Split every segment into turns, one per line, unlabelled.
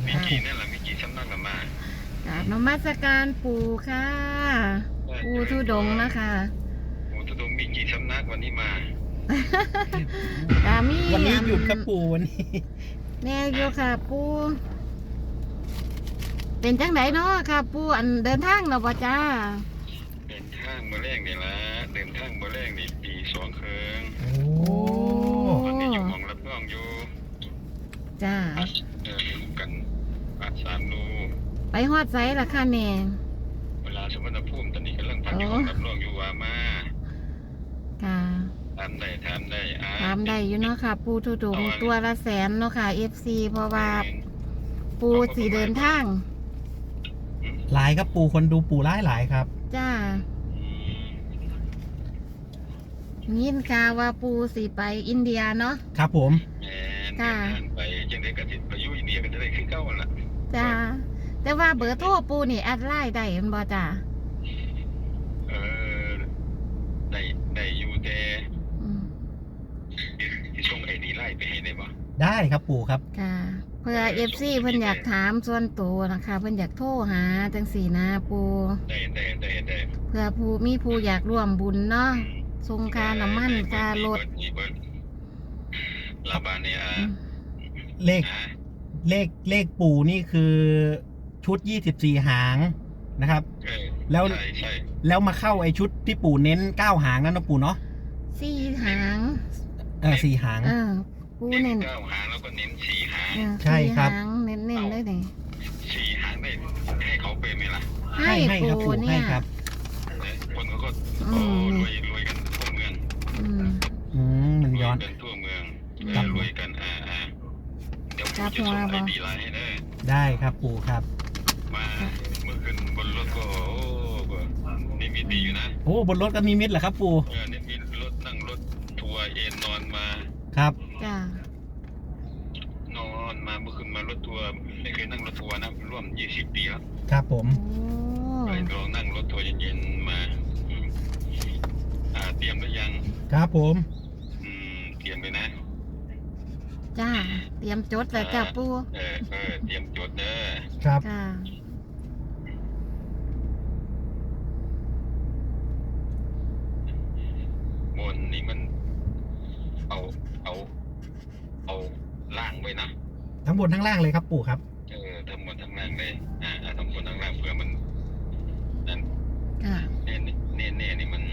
มีกี่นั่นแหละมีกี่สำนักละมาก
ราบนมัสการปู่ค่ะปู่ธุดงค์นะคะ
ปู่ธุดงค์มีกี่สำนักวันนี้มา
กามี
วันนี้หยุดครับปู่วันนี้
แน่อยู่ค่ะปู่เป็นจังไดเนาะค่ะปู่อันเดินทางเนาะบ่จ้า
เดินทางมาแรกนี่ละเดินทางมาแรกนี่ปี2 ครึ่ง
โอ้
วันนี้อยู่หมองรับน้องอยู่
จ้า
อยู่กันอาสามนู
ไปฮอดไสล่ะค่ะแน่
เวลาสมรภูมิตอนนี้กำลังพักอยู่ห้องรับน้องอยู่ว่ามา
ค่ะ
ทำได้
ถามได้อยู่เนาะค่ะ ปู่ธุดงค์ตัวละแสนเนาะค่ะ FC เพราะว่าปู่สิเดินทาง
หลายครับปู่คนดูปู่หลายครับ
จ้ายินข่าวว่าปู่สิไปอินเดียเนาะ
ครับผม
แม่เดินทางไปจังได้กระติดไปอยู่อินเดียกันจะได้ขึ้นเก้าละ
จ้าแต่ว่าเบอร์โทรปู่นี่แอดไลน์ได้แม่นบ่จ้า
เออได้อยู่แต่
อืม
ที่ส่งไอดีไล่ไปให้ได้บ่
ได้ครับปู่ครับ
ค่ะเพื่อ FC เพิ่นอยากถามส่วนตัวนะคะเพิ่นอยากโทรหาจังสี่นะปู่
ได้
เพื่อผู้อยากร่วมบุญเนาะส่งค่าน้ำมันค่ารถ
ลาบาเนีย
เลขเลขปู่นี่คือชุด24 หางนะครับ แล้ว
ใช่
แล้วมาเข้าไอชุดที่ปู่เน้น9 หางนั่นนะปู่เนาะ
4 หาง
4 หาง
ปู่
เน้
เน้
น
น
9 หางแล้วก็เน้น4 หาง
ใช่ครับ
4 หางเน้นเลยนี่
4 หางได้ให้เขาไปไหมล่ะ
ให้ครับ
ปู่
ปู่
เนี่
ให้
ย
ครับ
คนเขาก็
อืม
รวยกันทั่วเมือง
มันย้อน
กันทั่วเมืองรวยกันเดี๋ยวผมจะส่งไอดีไลน์ให้ได้
ได้ครับปู่ครับ
มาเมื่อคืนบนรถก็นี่มีดีอยู่นะ
โอ้บนรถก็มีมิตรเหรอครับปู่
นี่มีรถนั่งรถทัวร์เอนนอนมา
ครับ
จ้าน
อนมาเมื่อคืนมารถทัวร์ไม่เคยนั่งรถทัวร์นะร่วม20 ปีแล้ว
ครับผม
โอ้
ไปลองนั่งรถทัวร์เย็นๆมาเตรียมหรือยัง
ครับผม
เตรียมเลยนะ
จ้าเตรียมจดแล้วจ้าปู่
เตรียมจดเด้อ
ครับ
ค่ะ
บนนี่มันเอาล่างไว้นะ
ทั้งบนทั้งล่างเลยครับปู่ครับ
ทั้งบนทั้งล่างเลยทั้งบนทั้งล่างเพื่อมันนั่น
ค่ะ
เน่นี่มัน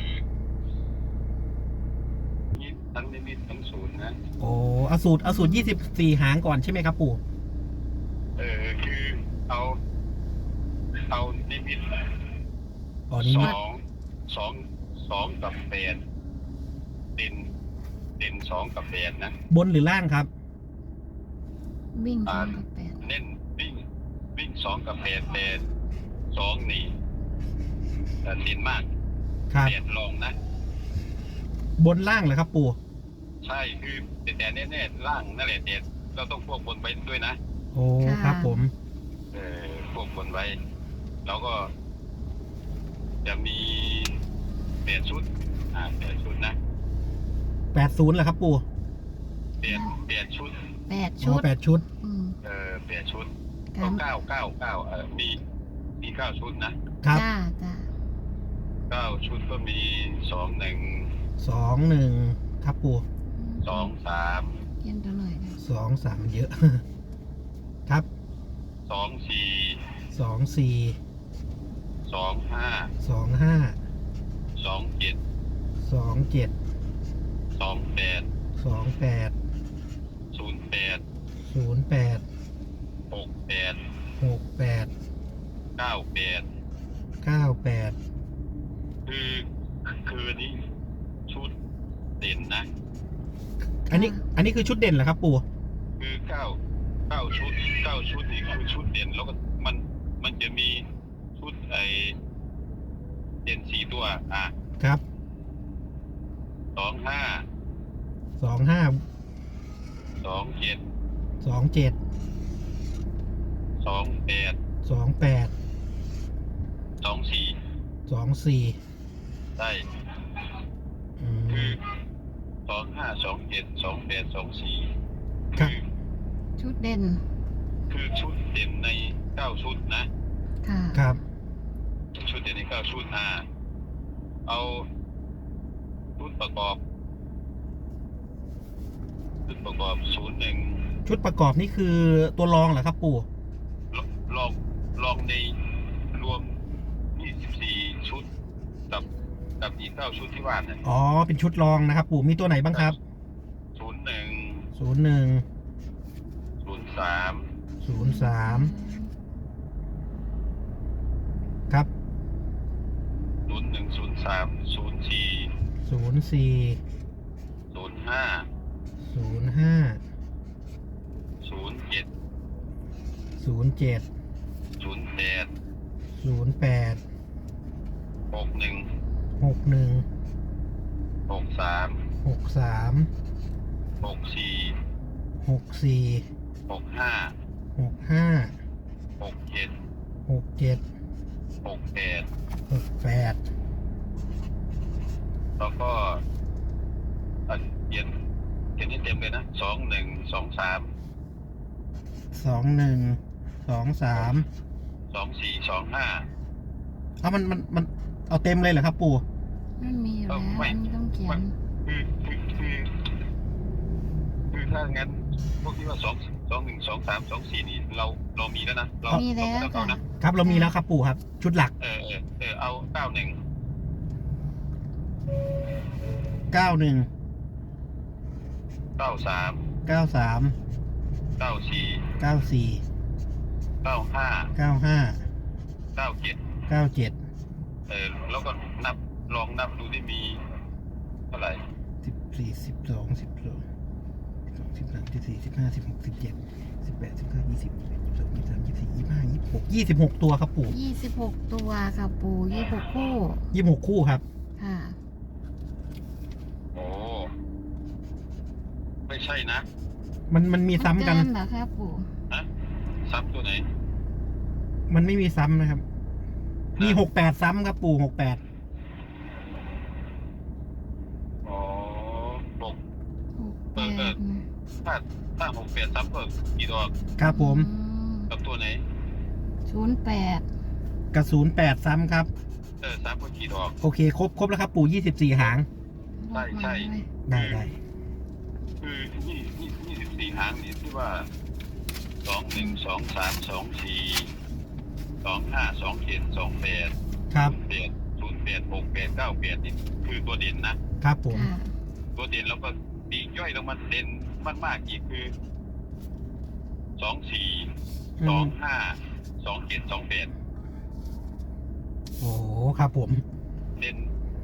นี่ทั้งนิดทั้งศูนย์นะ
โอ้เอาสูตร24 หางก่อนใช่ไหมครับปู่
คือเอานิมิต
อ๋อนี่มิตร
สองกับ8เด่น2กับ8นะ
บนหรือล่างครับ
วิ่ง2กับ
เน้นวิ่ง2กับ8แต่2นี่เด่นมาก
ครับ
8ลองนะ
บนล่างเหรอครับปู่
ใช่คือแต่แน่ๆล่างนั่นแหละเด็ดเราต้องควบคุมไปด้วยนะ
โอ้ครับผม
ควบคุมไว้แล้วก็จะมี8 ชุด8 ชุดนะ
80เหรอครับปู่
8 ชุด
8 ชุ
อ๋อ
ด
8 ชุด
8 ชุด
ครั
ก็
บ
9มี9 ชุดนะครับ
จ้า
9 ชุดก็มี2
2 1ครับปู่
1 2 3
เขียนตัวหน่อยนะ
2 3มันเยอะ ครับ
2 4
2 4
2 5
2 5
2 7
2 7
2 8
2 8
0 8
0 8
6 8
6 8
9 8
9 8
คือนี้ชุดเด่นนะ
อันนี้คือชุดเด่นเหรอครับปู่
คือ9 ชุดนี่คือชุดเด่นแล้วก็มันจะมีชุดเด่น4 ตัว
ครับ
2 5
2 5
2 7
2 7
2 8
2 8
2 4
2 4
ได้คือ2 5 2 7 2 8 2 4
ครับ
ชุดเด่น
คืคือชุดเด่นใน9ชุดนะ
ค่ะ
ครับ
ชุดเด่นใน9ชุดเอาชุดประกอบ01
ชุดประกอบนี่คือตัวรองเหรอครับปู่
ลองในรวม24ชุดกับอีก9ชุดที่ว่าเนี่ย
อ๋อเป็นชุดรองนะครับปู่มีตัวไหนบ้างครับ
01
01
03
03ครับ
01 03 04
04
05
05
07
07
08
08
61
61
63
63
64
64
65
65
67
67
68
68
แล้วก็เขียนให้เต็มเลยนะ21 23
21 23
24 25
เอามันเอาเต็มเลยเหรอครับปู่
มันมีอยู่แล้วอันนี้ต้องเขียน
คือถ้างั้นพวกที่ว่า21 23 24นี่เรามีแล้วนะเรา
มีแล้ว
เอานะ
ครับเรามีแล้วครับปู่ครับ ชุดหลัก
เอา91
91
93
93
94
94
95
95
97
97
แล้วก็ลองนับดูที่มีเท่าไหร่
14 12 12 13 14 15 16 17 18 19 20 21 22 23 24 25 26 ตัวครับปู่
26 ตัวค่ะปู26 คู่
26 คู่ครับ
ค่ะ
โอ้ไม่ใช่นะ
มันมีซ้ำกัน
เเหรอครับปู
นะซ้ำตัวไหน
มันไม่มีซ้ำนะครับ มี 68 ซ้ำครับปู่ 68
อ๋อ6
68นะ
ถ้า68ซ้ำก็กี่ดอก
ครับผม
กับตัวไหน
08
กระสุน8ซ้ำครับ
ซ้ำก็กี่ดอก
โอเคครบแล้วครับปู่24 หาง
ใช่
ได้
คือ24หางนี่ที่ว่า21 23 24 25 27 28
ครับ
08 68 98นี่คือตัวเด่นนะครับ
ผม
ค่ะ
ตัวเด่นแล้วก็ตีย่อยลงมาเด่นมากๆอีกคือ24 25 27 28
โอ้ครับผม
เด่น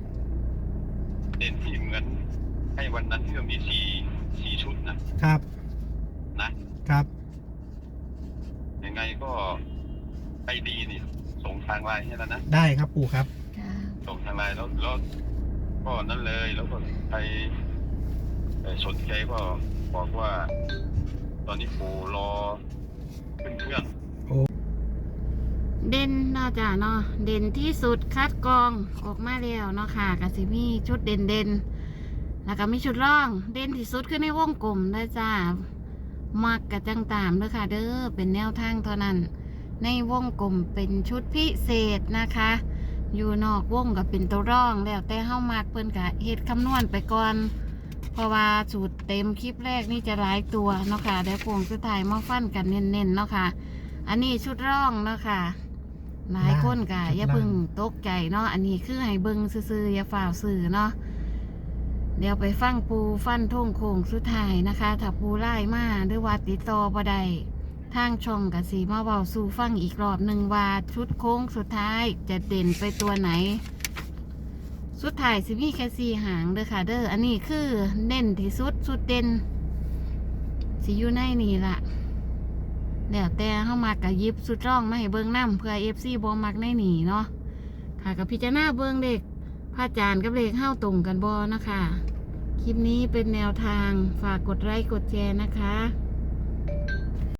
ที่เหมือนให้วันนั้นที่เรามี4ชุดนะครับ ยังไงก็ไอดีนี่ส่งทางไลน์ให้แล้วนะ
ได้ครับปู่ครับ
ค่ะ
ส่งทางไลน์แล้วก็นั้นเลยแล้วก็ใครสนใจก็บอกว่า ตอนนี้ปู่รอขึ้นเครื่อง
เด่นเนาะจ้ะเนาะเด่นที่สุดคัดกรองออกมาแล้วเนาะค่ะกสิมีชุดเด่นแล้วก็มีชุดร่องเด่นที่สุดคือในวงกลมได้จ้ามักกะจังตามเด้อค่ะเด้อเป็นแนวทางเท่านั้นในวงกลมเป็นชุดพิเศษนะคะ อยู่นอกวงก็เป็นตัวร่องแล้วแต่เฮ้ามักเพิ่นกะเฮ็ดคำนวณไปก่อนเพราะว่าสูตรเต็มคลิปแรกนี่จะหลายตัวเนาะค่ะเดี๋ยวโป่งสุดท้ายมาฟันกันเน้นๆเนาะค่ะอันนี้ชุดร่องเนาะค่ะหลายคนกะอย่าเพิ่งตกใจเนาะอันนี้คือให้เบิ่งซื่อๆอย่าฝ่าวซื่อเนาะเดี๋ยวไปฟังปูฟันท่งโค้งสุดท้ายนะคะถ้าปูไล่มาหรือว่าติดต่อบ่ได้ทางช่องกะสีมาเบาสู่ฟังอีกรอบหนึ่งว่าชุดโค้งสุดท้ายจะเด่นไปตัวไหนสุดท้ายสิมีแค่4 หางเด้อค่ะเด้ออันนี้คือเน้นที่สุดสุดเด่นสิอยู่ในนี่ล่ะเดี๋ยวแต่เข้ามากะยิบสุดร่องมาให้เบิ่งน้ำเพื่อ FC บ่มักในหนีเนาะค่ะกับพิจารณาเบิ่งเด็กพระอาจารย์กับเลขเข้าตรงกันบ่นะคะ คลิปนี้เป็นแนวทางฝากกดไลค์กดแชร์นะคะ